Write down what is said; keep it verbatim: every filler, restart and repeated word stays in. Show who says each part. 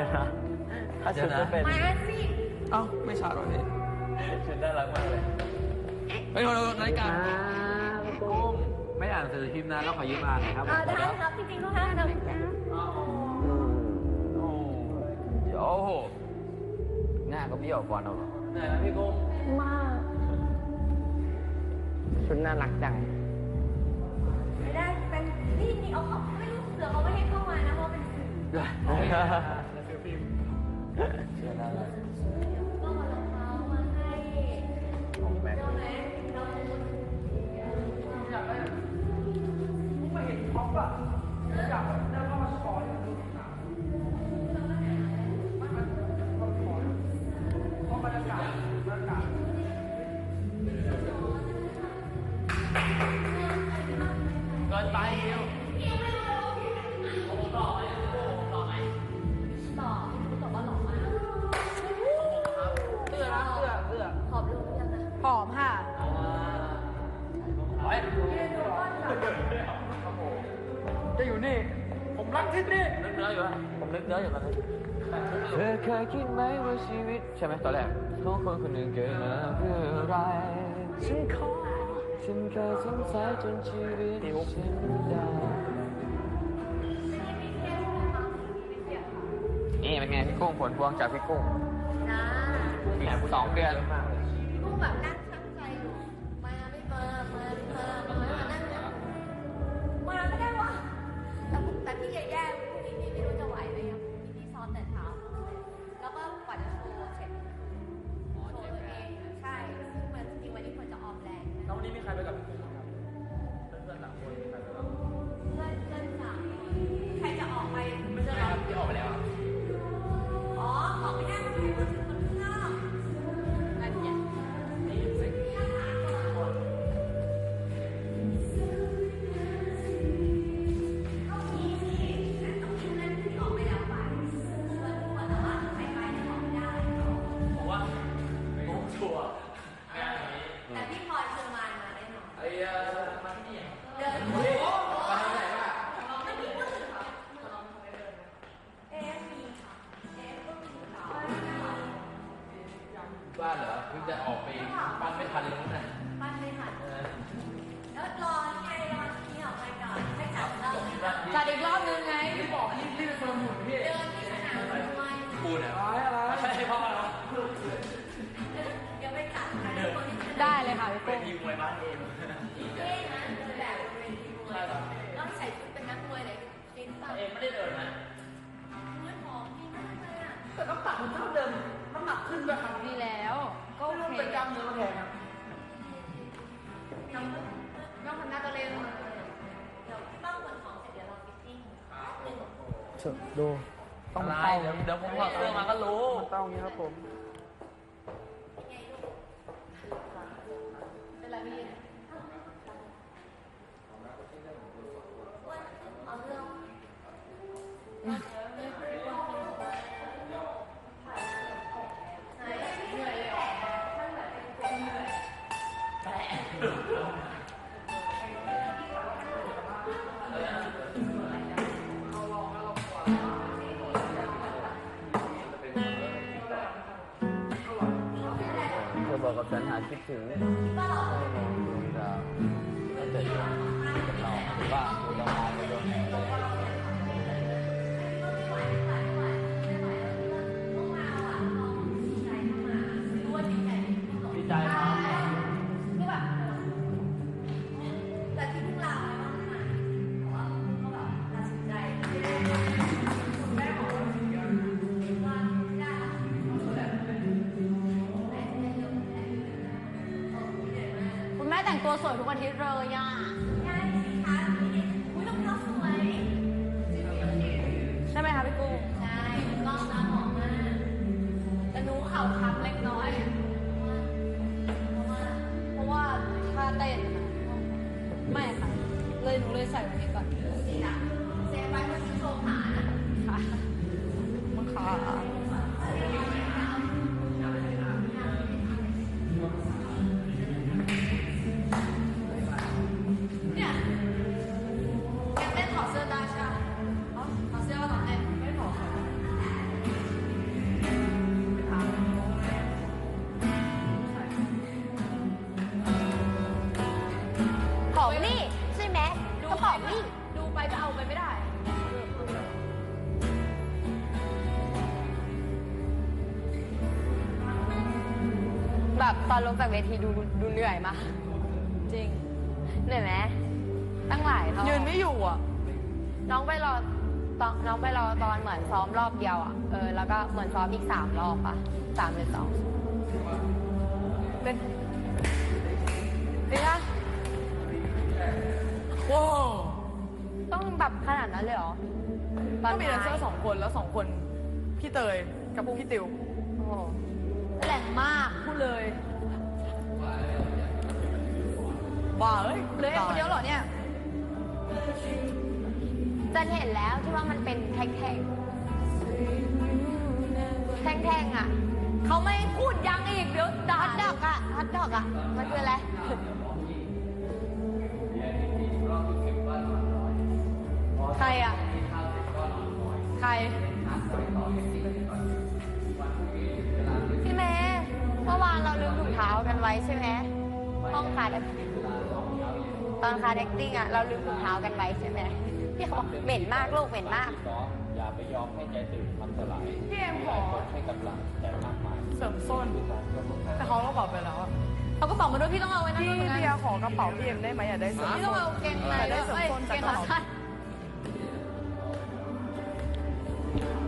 Speaker 1: ถ้าชุดจะเป็น
Speaker 2: มาสิ
Speaker 3: เอ้าไม่ชาร์จหรอพี่
Speaker 1: ชุดน่ารักมากเลย
Speaker 3: เฮ้ยเรานาฬิกา
Speaker 1: ตุ้มไม่อ่านสื่อพิมพ์นะเราขอยืมอ่านหน่อยครับ
Speaker 2: ได้ครับจริงๆก็ได้นะ
Speaker 1: โอ้โหหน้าก็เบี้ยวกว่าเราไหนนะพี่กุ้ง
Speaker 2: มาก
Speaker 1: ชุดน่ารักจัง
Speaker 2: ไม่ได้เป็นนี่นี่เอาเขาไม่รู้เสือเขาไม่ให้เข้ามานะเพราะเป็นสื่อ
Speaker 1: สื่อพิมพ์เชื่อได้เลย
Speaker 2: ก็มาลงเท้ามาให้
Speaker 1: ของแม็ก
Speaker 2: เราไหนเรา
Speaker 3: อยากได้ไม่เห็นท็อปอะอยากได้เข้ามาสปอร์ตดูหนังไม่มันมันขอเพราะบรรยากาศบรรยากาศเกินไปเดียวต่อไหมต่อไหม
Speaker 2: ต่อคุณบอกว่าหล่อมาก
Speaker 3: เสื้อนะเสื้อเสื้อ
Speaker 2: หอมลงยังไง
Speaker 4: หอมค่ะ
Speaker 3: เฮ้ยจะอยู่นี่ผมรักที่นี่นึกเนื้ออยู่อะผมนึกเนื้ออยู่ตอนนี้
Speaker 1: เธอเคยคิดไหมว่าชีวิตใช่ไหมตอนแรกของคนคนหนึ่งเกิดมาเพื่ออะไรฉันขอฉันเคยสงสัยจนชีวิตฉันได้นี่เป็นไงพี่กุ้งผลพวงจากพี่กุ้ง
Speaker 2: นะ
Speaker 1: อีกสองเดือน
Speaker 2: พี่กุ้งแบบนั่งช่างใจอยู่มาไม่มามามามามานั่งนะมาไม่ได้วะแต่แต่พี่แย่ๆพรุ่งนี้พี่ไม่รู้จะไหวไหมครับพี่พี่ซ้อมแต่เช้าแล้วก็กว่าจะโชว์เสร็จโชว์ตัวเองใช่ซึ่งมันจริงวันนี้ควรจะออมแรง
Speaker 3: แล้ววันนี้มีใครไปกับพี่กุ้งบ้างครับเพื่อนๆสามคนมีใครไปบ้าง
Speaker 2: เพื่อนเพื่อนสามใครจะออกไป
Speaker 3: ไม่ใช่ครับที่ออกไปแล้ว
Speaker 2: อ๋อออกไม่ได้มันเป็นคนคนข้างนอกอะไรเนี่ย
Speaker 3: นี่สิ
Speaker 2: ก็มีที่ต้องมีเพื่อนที่ออกไปแล้วไปชวนทุกคนแต่ว่าใครไปเนี่ยออกไม่ได้
Speaker 3: ผมว่าโอ้ชัวร์งานนี้
Speaker 2: แต่พี่พลอยเชิญมามาได้หน่อย
Speaker 3: ไอ้เออมาที่นี่
Speaker 2: เดินโอ้โหไปไหนล่ะไม่มีมือค่ะเอฟมีค่ะเอฟก็มีค่ะ
Speaker 1: บ้านเหรอเพิ่งจะออกไปบ้านไม่ทันเลยนะ
Speaker 2: บ้านไม่ทันแล้วรอไงรอที่ออกไปก่อนให้จับเรา
Speaker 4: จัดอีกรอบนึงไง
Speaker 3: พี่บอกรีบรีบไปคนหมุนพี่
Speaker 2: เดินที่สนามมวย
Speaker 1: พูดอะไร
Speaker 3: อะไรใช่พ่อเหรอ
Speaker 2: เดี๋ยวไปจัดให้คนที่
Speaker 4: ได้เลยค่ะพี่กุ้ง
Speaker 3: ยิงมวยบ้านเอง
Speaker 2: เท่นะเดินแบบบริเวณทีมมวยต้องใส่ชุดเป็นนักมวยเลยจริงป่ะ
Speaker 3: เองไม่ได้เดินนะ
Speaker 2: เนื้อหอมดีมากเลยอ่ะ
Speaker 3: แต่ต้องตัดมันเท่าเดิมน้ำหนักขึ้นไปครับ
Speaker 4: ดีแล้วก็โอเค
Speaker 3: เป็นกล้ามเนื้อมาแทนครับ
Speaker 2: น้องน้องคนหน้าก็เล่นเดี๋ยวพี่ป้องคนของเสร็จเดี๋ยวเราฟิตติ้งหนึ่ง
Speaker 1: ดู
Speaker 3: ต้องเต้าเดี๋ยวผมถอดเสื้อมาก็รู้
Speaker 1: เต้าอย่างนี้ครับผม
Speaker 2: เป็นไรพี่เอาเรื่องเหนื่อยเลยอ่ะท่านแบบเป็นเหนื่อย
Speaker 1: เธอบอกกับฉันหาคิดถึงให้มองดวงดาวแล้วเจอกับเราหรือว่าดูดาวมาดูดวงแห่งเลยดีใจครับ
Speaker 2: คือแบบแต่ที่พวกเราไม่ต้องมาเพราะว่าเขาแบบตัดสินใจคุณแม่บอกว่าว่าได้
Speaker 4: คุณแม่แต่งตัวสวยทุกอาทิตย์เลยอ่ะ
Speaker 2: ใช่สิคะอุ้ยรองเท้าสวย
Speaker 4: ใช่ไหมคะพี่กุ้ง
Speaker 2: ใช่กล้องตาหอมมาก
Speaker 4: แต่หนูเข่าค้ำเล็กน้อยเพราะว่าท่าเต้นไม่ค่ะเลยหนูเลยใส่วันนี้ก่อน
Speaker 2: นี่นะเซฟไว้เพื่อโชว์ขานะ
Speaker 4: ค่ะมันขา
Speaker 2: เนี่ยยังเต้นถอดเสื้อได้ใช่ไหมถอดเสื้อก็ต้องเต้นไม่ถอดแบบตอนลงจากเวทีดูดูเหนื่อยมาก
Speaker 4: จริง
Speaker 2: เหนื่อยไหมตั้งหลายรอบ
Speaker 4: ยืนไม่อยู่อ่ะ
Speaker 2: น้องไปรอตอนน้องไปรอตอนเหมือนซ้อมรอบเดียวอ่ะเออแล้วก็เหมือนซ้อมอีกสามรอบอ่ะสามหรือสอง
Speaker 4: เป็นเป็นไงว้าว
Speaker 2: ต้องแบบขนาดนั้นเลยเหรอต
Speaker 4: ก็
Speaker 2: อน
Speaker 4: มีแดนเซอร์สองคนแล้วสองคน พี่เตยกับพี่ติว
Speaker 2: โอ้โห
Speaker 4: แหลงมากพูดเลยว้าเอ้ยเหลยคนเดียวเหรอเนี่ย
Speaker 2: จะเห็นแล้วที่ว่ามันเป็นแท่งแท่งแท่งแท่งๆอ่ะ
Speaker 4: เขาไม่พูดยังอีกเดี๋ยวด่า
Speaker 2: ฮอตดอกอ่ะฮอตดอกอ่ะมันคืออะไร
Speaker 4: ใครอ่ะ ใคร
Speaker 2: พี่เมย์เมื่อวานเราลืมถุงเท้ากันไว้ใช่ไหมห้องคาร์ดตอนคาร์ดแอคติ้งอ่ะเราลืมถุงเท้ากันไว้ใช่ไหมพี่เขาบอกเหม็นมากลูกเหม็นมาก
Speaker 1: อย่าไปยอมให้ใจตื่นมันสลาย
Speaker 4: พี่เอ็มขอ
Speaker 1: ให้กำลังแต่มากมาย
Speaker 4: เสริมส้น แต่เขาก็บอกไปแล้วอะเขาก็บอกมาด้วยพี่ต้องเอาไว้นะ
Speaker 5: พี่
Speaker 4: ตรงนั้น
Speaker 5: เบียร์ขอกระเป๋าพี่เอ็มได้ไหมอยากได้เสื้อ
Speaker 4: พี่ต้องเอาเกงใน
Speaker 5: อยากได้เสริม
Speaker 4: เอ้ย
Speaker 5: ส้น
Speaker 4: เก
Speaker 5: จาก
Speaker 4: ง
Speaker 5: กระ
Speaker 4: ขา
Speaker 5: เป๋า
Speaker 4: สั้น